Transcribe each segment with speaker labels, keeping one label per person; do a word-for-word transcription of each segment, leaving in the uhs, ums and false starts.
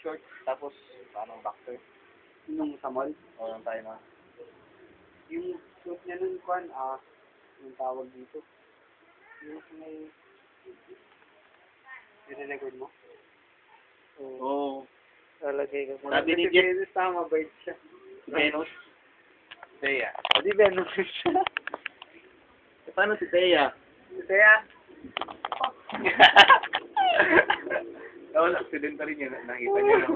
Speaker 1: short, tapos parang boxer.
Speaker 2: Nung sa mall.
Speaker 1: O lang tayo na.
Speaker 2: Yung suit niya nun, kwan, ah, yung tawag dito. Yung may... Nire-record mo? Oo.
Speaker 1: Oo.
Speaker 3: Lalagay ko.
Speaker 1: Sabi ni
Speaker 2: Si
Speaker 1: Jeff,
Speaker 2: Venus, tama, bait siya.
Speaker 1: si Venus. Thea.
Speaker 2: O, di Venus siya.
Speaker 1: E paano si Thea?
Speaker 2: Kaya,
Speaker 1: Oo, accident rin yun. Nakita niyo na ako.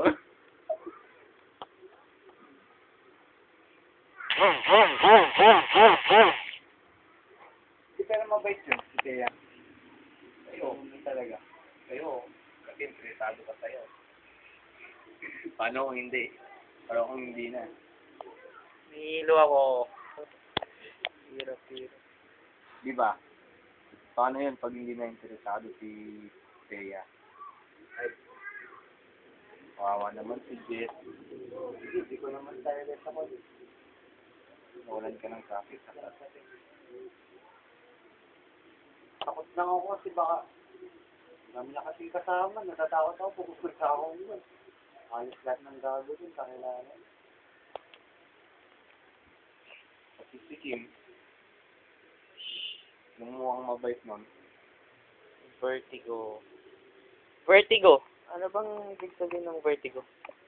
Speaker 2: di pero mabait yun, si Thea.
Speaker 1: Sa'yo, hindi talaga. Sa'yo, kasi interesado ka sa'yo. Paano kung hindi? Pero kung hindi na.
Speaker 3: Nihilo ako. Hirap, hirap.
Speaker 1: Di ba? Paano yun pag hindi na interesado si Thea? Ay, kawawa naman si Jess.
Speaker 2: Hindi ko naman tayo sa mall.
Speaker 1: Nawalan ka ng traffic.
Speaker 2: Takot lang ako kasi baka dami na kasing kasama, natatakot ako, pupunta ako yun. Ayos lahat ng gago dun, kakilala.
Speaker 1: Kasi si Kim, nung mukhang mabait nun,
Speaker 3: Vertigo. Vertigo. Ano bang ibig sabihin ng vertigo?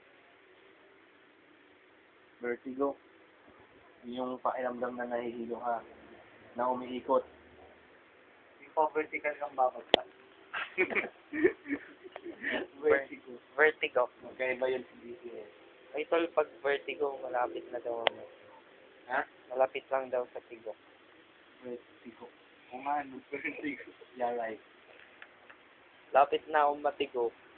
Speaker 1: vertigo. Yung pakiramdam na nahihilo ka, na umiikot.
Speaker 2: Yung pa-vertical kang babagsak. Vertigo.
Speaker 3: Vertigo.
Speaker 1: Magkaiba yun si D C S.
Speaker 3: Ay, tol, pag vertigo, malapit na daw ano.
Speaker 1: Ha?
Speaker 3: Malapit lang daw sa tigo.
Speaker 1: Vertigo. Kung ano, vertigo. Yeah, right.
Speaker 3: Lapit na akong matigo.